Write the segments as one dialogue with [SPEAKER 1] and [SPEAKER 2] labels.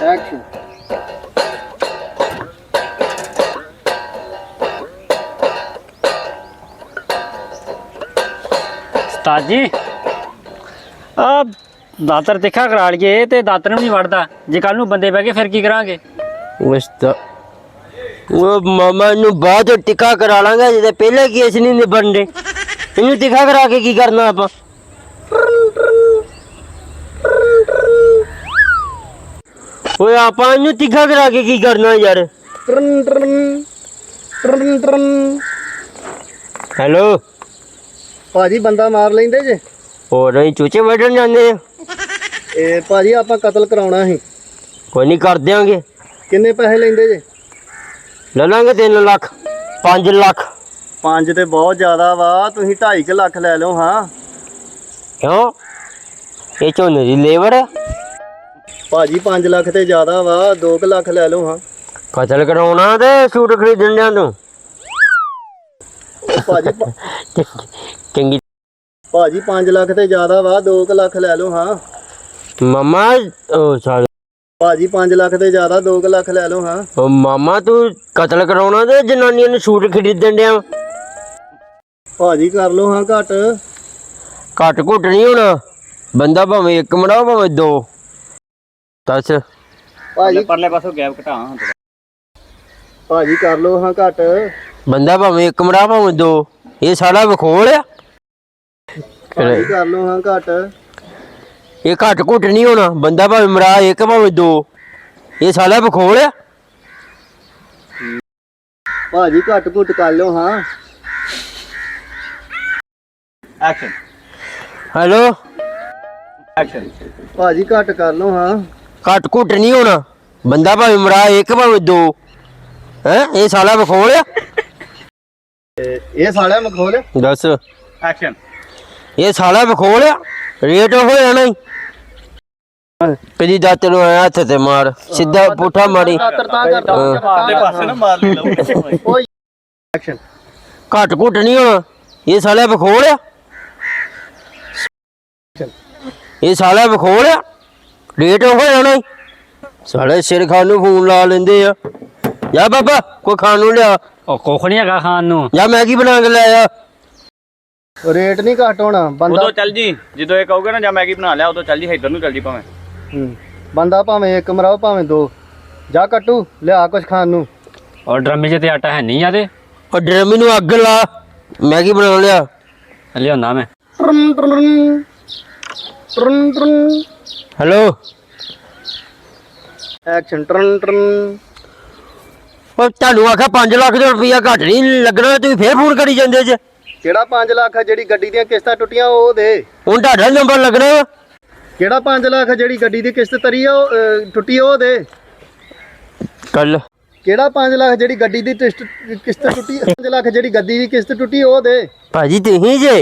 [SPEAKER 1] Action.
[SPEAKER 2] ਉਸਤਾਦ ਜੀ ਆ ਦਾਤਰ ਤਿੱਖਾ ਕਰਾ ਲਈਏ ਤੇ ਦਾਤਰ ਨੂੰ ਨਹੀਂ ਵੜਦਾ। ਜੇ ਕੱਲ ਨੂੰ ਬੰਦੇ ਬਹਿ ਕੇ ਫਿਰ ਕੀ ਕਰਾਂਗੇ?
[SPEAKER 3] ਉਹ ਮਾਮਾ ਨੂੰ ਬਾਅਦ ਟਿੱਕਾ ਕਰਾ ਲਾਂਗਾ, ਜਿਹਦੇ ਪਹਿਲੇ ਕੇਸ ਨਹੀਂ ਨਿਬੜਦੇ। ਇਹਨੂੰ ਟਿੱਕਾ ਕਰਾ ਕੇ ਕੀ ਕਰਨਾ ਆਪਾਂ? ਓਏ ਆਪਾਂ ਇਹਨੂੰ ਟਿੱਕਾ ਕਰਾ ਕੇ ਕੀ ਕਰਨਾ ਯਾਰ? ਹੈਲੋ
[SPEAKER 1] ਭਾਜੀ ਬੰਦਾ ਮਾਰ ਲੈਂਦੇ ਜੇ?
[SPEAKER 3] ਹੋਰ ਅਸੀਂ ਚੂਚੇ ਵੱਢਣ ਜਾਂਦੇ ਆ।
[SPEAKER 1] ਇਹ ਭਾਜੀ ਆਪਾਂ ਕਤਲ ਕਰਾਉਣਾ ਸੀ।
[SPEAKER 3] ਕੋਈ ਨਹੀਂ ਕਰ ਦਿਆਂਗੇ।
[SPEAKER 1] ਕਿੰਨੇ ਪੈਸੇ ਲੈਂਦੇ ਜੇ?
[SPEAKER 3] ਲੈ ਲਾਂਗੇ 3 ਲੱਖ 5 ਲੱਖ।
[SPEAKER 1] 5 ਤੇ ਬਹੁਤ ਜ਼ਿਆਦਾ ਵਾ, ਤੁਸੀਂ 2.5 ਲੱਖ ਲੈ ਲਓ। ਹਾਂ
[SPEAKER 3] ਕਿਉਂ? ਇਹ ਝੋਨੇ ਦੀ ਲੇਬਰ ਹੈ।
[SPEAKER 1] ਭਾਜੀ 5 ਲੱਖ ਤੇ ਜ਼ਿਆਦਾ ਵਾ, 2 ਲੱਖ ਲੈ ਲਓ। ਹਾਂ
[SPEAKER 3] ਕਤਲ ਕਰਾਉਣਾ ਤੇ ਸੂਟ ਖਰੀਦਣ ਜਾਂ ਤੂੰ
[SPEAKER 1] ਭਾਜੀ
[SPEAKER 3] ਚੰਗੀ
[SPEAKER 1] ਭਾਜੀ 5 ਲੱਖ ਤੇ ਜ਼ਿਆਦਾ ਵਾ, 2 ਲੱਖ ਲੈ ਲਓ। ਹਾਂ
[SPEAKER 3] ਮਾਮਾ ਉਹ ਸਾਲ
[SPEAKER 1] ਭਾਜੀ 5 ਲੱਖ ਤੇ ਜ਼ਿਆਦਾ, 2 ਲੱਖ ਲੈ ਲਓ। ਹਾਂ
[SPEAKER 3] ਉਹ ਮਾਮਾ ਤੂੰ ਕਤਲ ਕਰਾਉਣਾ ਤੇ ਜਨਾਨੀਆਂ ਨੂੰ ਸੂਟ ਖਰੀਦਣ ਡਿਆ।
[SPEAKER 1] ਭਾਜੀ ਕਰ ਲਓ। ਹਾਂ ਘੱਟ
[SPEAKER 3] ਘੱਟ ਘੁੱਟ ਨਹੀਂ ਹੋਣਾ। ਬੰਦਾ ਭਾਵੇਂ 1 ਮਰਾਓ ਭਾਵੇਂ 2। ਦੱਸ
[SPEAKER 1] ਭਾਜੀ,
[SPEAKER 2] ਪਰਲੇ ਪਾਸੋਂ ਗੈਪ ਘਟਾ
[SPEAKER 1] ਭਾਜੀ ਕਰ ਲਓ। ਹਾਂ ਘੱਟ
[SPEAKER 3] ਬੰਦਾ ਭਾਵੇਂ 1 ਮਰਾ ਭਾਵੇਂ 2। ਇਹ ਸਾਰਾ ਵਿਖੋਲ ਆ।
[SPEAKER 1] ਭਾਜੀ ਕਰ ਲਓ। ਹਾਂ ਘੱਟ
[SPEAKER 3] ਇਹ ਘੱਟ ਘੁੱਟ ਨਹੀਂ ਹੋਣਾ। ਬੰਦਾ ਭਾਵੇਂ ਮਰਾ 1 ਭਾਵੇਂ 2। ਇਹ ਸਾਰਾ ਵਿਖੋਲ ਆ।
[SPEAKER 1] ਭਾਜੀ ਘੱਟ ਘੁੱਟ ਕਰ ਲਓ। ਹਾਂ
[SPEAKER 2] ਐਕਸ਼ਨ
[SPEAKER 3] ਹੈਲੋ
[SPEAKER 2] ਐਕਸ਼ਨ
[SPEAKER 1] ਭਾਜੀ ਘੱਟ ਕਰ ਲਓ। ਹਾਂ
[SPEAKER 3] ਘੱਟ ਘੁੱਟ ਨਹੀਂ ਹੋਣਾ। ਬੰਦਾ ਭਾਵੇਂ ਮਰਾ 1 ਭਾਵੇਂ 2। ਹੈ ਇਹ ਸਾਰਾ ਵਿਖੋਲ ਆ।
[SPEAKER 1] ਇਹ ਸਾਲਿਆ ਮਖੌਲ।
[SPEAKER 3] ਦੱਸ
[SPEAKER 2] ਐਕਸ਼ਨ
[SPEAKER 3] ਇਹ ਸਾਲਾ ਵਿਖੋਲ ਆ। ਰੇਟ ਹੋ ਜਾਣਾ ਹੀ। ਕਦੀ ਦਾਤ ਨੂੰ ਆਇਆ ਹੱਥ ਤੇ ਮਾਰ ਸਿੱਧਾ ਪੁੱਠਾ ਮਾਰੀ।
[SPEAKER 2] ਪਾਸੇ ਨਾ ਮਾਰ ਲੈ ਲਓ।
[SPEAKER 1] ਐਕਸ਼ਨ
[SPEAKER 3] ਘੱਟ ਘੁੱਟ ਨਹੀਂ ਹੋਣਾ। ਇਹ ਸਾਲਾ ਵਿਖੋਲ ਆ। ਇਹ ਸਾਲਾ ਵਿਖੋਲ ਆ। ਰੇਟ ਹੋ ਜਾਣਾ ਹੀ। ਸਾਲੇ ਸਿਰ ਖਾਣ ਨੂੰ ਫੋਨ ਲਾ ਲੈਂਦੇ ਆ। ਜਾ ਬਾਬਾ ਕੋਈ ਖਾਣ ਨੂੰ ਲਿਆ।
[SPEAKER 2] ਉਹ ਕੁੱਖ ਨਹੀਂ ਹੈਗਾ ਖਾਣ ਨੂੰ।
[SPEAKER 3] ਜਾਂ ਮੈਗੀ ਬਣਾ ਕੇ ਲੈ ਆ।
[SPEAKER 1] ਰੇਟ ਨਹੀਂ ਘੱਟ ਹੋਣਾ। ਬੰਦਾ
[SPEAKER 2] ਉਦੋਂ ਚੱਲ ਜੀ ਜਦੋਂ ਇਹ ਕਹੋਗੇ ਨਾ ਜਾਂ ਮੈਗੀ ਬਣਾ ਲਿਆ ਉਦੋਂ ਚੱਲ ਜੀ, ਇੱਧਰ ਨੂੰ ਚੱਲ ਜੀ ਭਾਵੇਂ।
[SPEAKER 1] ਬੰਦਾ ਭਾਵੇਂ 1 ਮਰਾਓ ਭਾਵੇਂ 2। ਜਾ ਕੱਟੂ ਲਿਆ ਕੁਛ ਖਾਣ ਨੂੰ।
[SPEAKER 2] ਔਰ ਡਰਮੇ 'ਚ ਤੇ ਆਟਾ ਹੈ ਨਹੀਂ ਆ ਤੇ
[SPEAKER 3] ਉਹ ਡਰਮੀ ਨੂੰ ਅੱਗ ਲਾ। ਮੈਗੀ ਬਣਾ ਲਿਆ।
[SPEAKER 2] ਲਿਆਉਂਦਾ ਮੈਂ।
[SPEAKER 3] Hello
[SPEAKER 1] action turn turn.
[SPEAKER 3] ਉਹ ਤੁਹਾਨੂੰ ਆਖਿਆ 5 ਲੱਖ ਦਾ ਰੁਪਈਆ ਘੱਟ ਨਹੀਂ ਲੱਗਣਾ। ਤੁਸੀਂ ਫੇਰ ਫੋਨ ਕਰੀ ਜਾਂਦੇ ਜੇ।
[SPEAKER 1] ਕਿਹੜਾ 5 ਲੱਖ ਆ? ਜਿਹੜੀ ਗੱਡੀ ਦੀਆਂ ਕਿਸ਼ਤਾਂ ਟੁੱਟੀਆਂ ਉਹ ਦੇ।
[SPEAKER 3] ਹੁਣ ਤੁਹਾਡਾ ਨੰਬਰ ਲੱਗਣਾ ਵਾ।
[SPEAKER 1] ਕਿਹੜਾ 5 ਲੱਖ ਆ? ਜਿਹੜੀ ਗੱਡੀ ਦੀ ਕਿਸ਼ਤ ਤਰੀ ਆ ਉਹ ਟੁੱਟੀ ਉਹ ਦੇ।
[SPEAKER 3] ਕੱਲ
[SPEAKER 1] ਕਿਹੜਾ 5 ਲੱਖ? ਜਿਹੜੀ ਗੱਡੀ ਦੀ ਕਿਸ਼ਤ ਟੁੱਟੀ। 5 ਲੱਖ ਜਿਹੜੀ ਗੱਡੀ ਦੀ ਕਿਸ਼ਤ ਟੁੱਟੀ ਉਹ ਦੇ।
[SPEAKER 3] ਭਾਜੀ ਤੁਸੀਂ ਜੇ।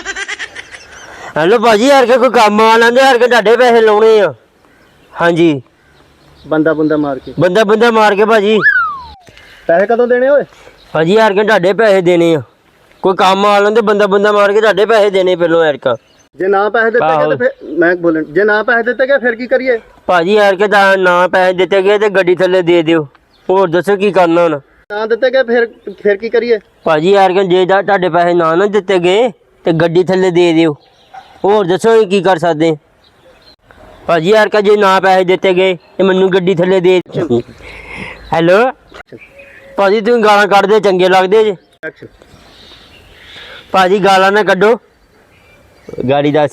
[SPEAKER 3] ਹੈਲੋ ਭਾਜੀ ਯਾਰ ਕੋਈ ਕੰਮ ਆ ਲੈਂਦੇ ਯਾਰ ਤੁਹਾਡੇ ਪੈਸੇ ਲਾਉਣੇ ਆ। ਹਾਂਜੀ
[SPEAKER 1] ਬੰਦਾ ਮਾਰ ਕੇ
[SPEAKER 3] ਬੰਦਾ ਮਾਰ ਕੇ ਭਾਜੀ।
[SPEAKER 1] ਪੈਸੇ ਕਦੋਂ ਦੇਣੇ ਓਏ?
[SPEAKER 3] ਭਾਜੀ ਯਾਰ ਤੁਹਾਡੇ ਪੈਸੇ ਦੇਣੇ ਆ। ਕੋਈ ਕੰਮ ਆ ਲੈਂਦੇ ਬੰਦਾ ਮਾਰ ਕੇ ਤੁਹਾਡੇ ਪੈਸੇ ਦੇਣੇ ਪਹਿਲੋਂ ਯਾਰ ਕਾ।
[SPEAKER 1] ਜੇ ਨਾ ਪੈਸੇ ਦਿੱਤੇ ਗਏ ਤੇ ਫਿਰ ਮੈਂ ਬੋਲਣ। ਜੇ ਨਾ ਪੈਸੇ ਦਿੱਤੇ ਗਏ ਫਿਰ ਕੀ ਕਰੀਏ?
[SPEAKER 3] ਭਾਜੀ ਯਾਰ ਕਿ ਨਾ ਪੈਸੇ ਦਿੱਤੇ ਗਏ ਤੇ ਗੱਡੀ ਥੱਲੇ ਦੇ ਦਿਓ। ਹੋਰ ਦੱਸੋ ਕੀ ਕਰਨਾ ਹੁਣ?
[SPEAKER 1] ਨਾ ਦਿੱਤੇ ਗਏ ਫਿਰ ਕੀ ਕਰੀਏ?
[SPEAKER 3] ਭਾਜੀ ਯਾਰ ਕਿ ਜੇ ਤੁਹਾਡੇ ਪੈਸੇ ਨਾ ਦਿੱਤੇ ਗਏ ਤੇ ਗੱਡੀ ਥੱਲੇ ਦੇ ਦਿਓ। ਹੋਰ ਦੱਸੋ ਅਸੀਂ ਕੀ ਕਰ ਸਕਦੇ? ਭਾਜੀ ਯਾਰ ਕਿ ਜੇ ਨਾ ਪੈਸੇ ਦਿੱਤੇ ਗਏ ਤੇ ਮੈਨੂੰ ਗੱਡੀ ਥੱਲੇ ਦੇ। ਹੈਲੋ ਭਾਜੀ ਤੁਸੀਂ ਗਾਲਾਂ ਕੱਢਦੇ ਚੰਗੇ ਲੱਗਦੇ ਜੇ।
[SPEAKER 1] ਐਕਸ਼ਨ
[SPEAKER 3] ਭਾਜੀ ਗਾਲਾਂ ਨਾ ਕੱਢੋ। ਗਾੜੀ ਦੱਸ।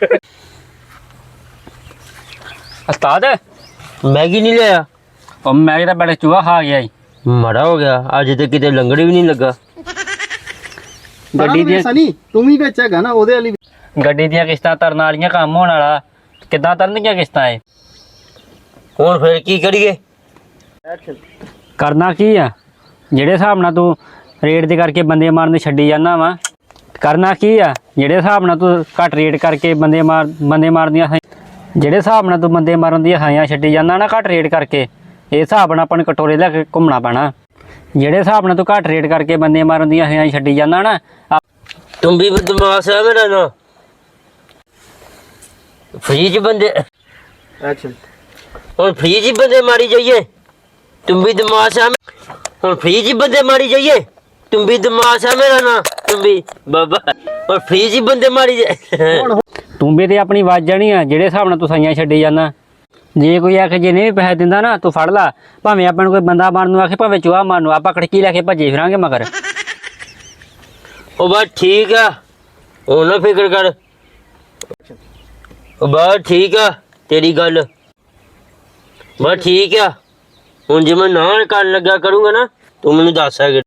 [SPEAKER 2] ਉਸਤਾਦ
[SPEAKER 3] ਮੈਗੀ ਨਹੀਂ ਲਿਆ।
[SPEAKER 2] ਉਹ ਮੈਗੀ ਤਾਂ ਬੜਾ ਚੂਹਾ ਖਾ ਗਿਆ ਈ।
[SPEAKER 3] ਮਾੜਾ ਹੋ ਗਿਆ। ਅੱਜ ਤੇ ਕਿਤੇ ਲੰਗੜ ਵੀ ਨਹੀਂ ਲੱਗਾ।
[SPEAKER 2] ਗੱਡੀ ਦੀਆਂ
[SPEAKER 1] ਸਨੀ ਤੂੰ ਵੀ ਵਿੱਚ ਹੈਗਾ ਨਾ ਉਹਦੇ ਵਾਲੀ।
[SPEAKER 2] ਗੱਡੀ ਦੀਆਂ ਕਿਸ਼ਤਾਂ ਤਰਨ ਵਾਲੀਆਂ ਕੰਮ ਹੋਣ ਵਾਲਾ। ਕਿੱਦਾਂ ਤਰਨਗੀਆਂ ਕਿਸ਼ਤਾਂ ਇਹ?
[SPEAKER 3] ਹੁਣ ਫਿਰ ਕੀ ਕਰੀਏ?
[SPEAKER 1] ਐਕਸ਼ਨ
[SPEAKER 2] ਕਰਨਾ ਕੀ ਆ? ਜਿਹੜੇ ਹਿਸਾਬ ਨਾਲ ਤੂੰ ਰੇਟ ਦੇ ਕਰਕੇ ਬੰਦੇ ਮਾਰਨ ਛੱਡੀ ਜਾਂਦਾ ਵਾ। ਕਰਨਾ ਕੀ ਆ? ਜਿਹੜੇ ਹਿਸਾਬ ਨਾਲ ਤੂੰ ਘੱਟ ਰੇਟ ਕਰਕੇ ਬੰਦੇ ਮਾਰਨ ਦੀਆਂ ਜਿਹੜੇ ਹਿਸਾਬ ਨਾਲ ਤੂੰ ਬੰਦੇ ਮਾਰਨ ਦੀਆਂ ਹਾਈਆਂ ਛੱਡੀ ਜਾਂਦਾ ਨਾ ਘੱਟ ਰੇਟ ਕਰਕੇ, ਇਹ ਹਿਸਾਬ ਨਾਲ ਆਪਾਂ ਨੂੰ ਕਟੋਰੇ ਲੈ ਕੇ ਘੁੰਮਣਾ ਪੈਣਾ। ਜਿਹੜੇ ਹਿਸਾਬ ਨਾਲ ਤੂੰ ਘੱਟ ਰੇਟ ਕਰਕੇ ਬੰਦੇ ਮਾਰਨ ਦੀਆਂ ਹਾਈਆਂ ਛੱਡੀ ਜਾਂਦਾ ਨਾ।
[SPEAKER 3] ਤੂੰ ਵੀ ਬਦਮਾਸ਼ ਹੈ ਮੇਰਾ ਨਾ। ਫ੍ਰੀ ਚ ਬੰਦੇ
[SPEAKER 1] ਐਕਸ਼ਨ
[SPEAKER 3] ਹੁਣ ਫ੍ਰੀ ਜੀ ਬੰਦੇ ਮਾਰੀ ਜਾਈਏ तुम भी दिमाग है और फ्री जी बंदे मारी जाइए तुम भी दिमाग है मेरा ना तुम भी बाबा और फ्री जी बंदे मारी जाए
[SPEAKER 2] ਤੂੰ ਵੀ ਤੇ ਆਪਣੀ ਵੱਜ ਜਾਣੀ ਆ ਜਿਹੜੇ ਹਿਸਾਬ ਨਾਲ ਤੂੰ ਸਾਈਆਂ ਛੱਡੀ ਜਾਂਦਾ। ਜੇ ਕੋਈ ਆਖੇ ਜੇ ਨਹੀਂ ਪੈਸੇ ਦਿੰਦਾ ਨਾ ਤੂੰ ਫੜ ਲਾ, ਭਾਵੇਂ ਆਪਾਂ ਨੂੰ ਕੋਈ ਬੰਦਾ ਮਾਰਨ ਨੂੰ ਆਖੇ, ਭਾਵੇਂ ਚੂਹਾ ਮਾਰਨ ਨੂੰ, ਆਪਾਂ ਕੜਕੀ ਲੈ ਕੇ ਭੱਜੇ ਫਿਰਾਂਗੇ ਮਗਰ।
[SPEAKER 3] ओ बस ठीक है ओ ना फिक्र कर ओ बस ठीक है तेरी गल बस ठीक है ਹੁਣ ਜੇ ਮੈਂ ਨਾ ਕਰਨ ਲੱਗਾ ਕਰੂੰਗਾ ਨਾ ਤੂੰ ਮੈਨੂੰ ਦੱਸ ਸਕਦਾ।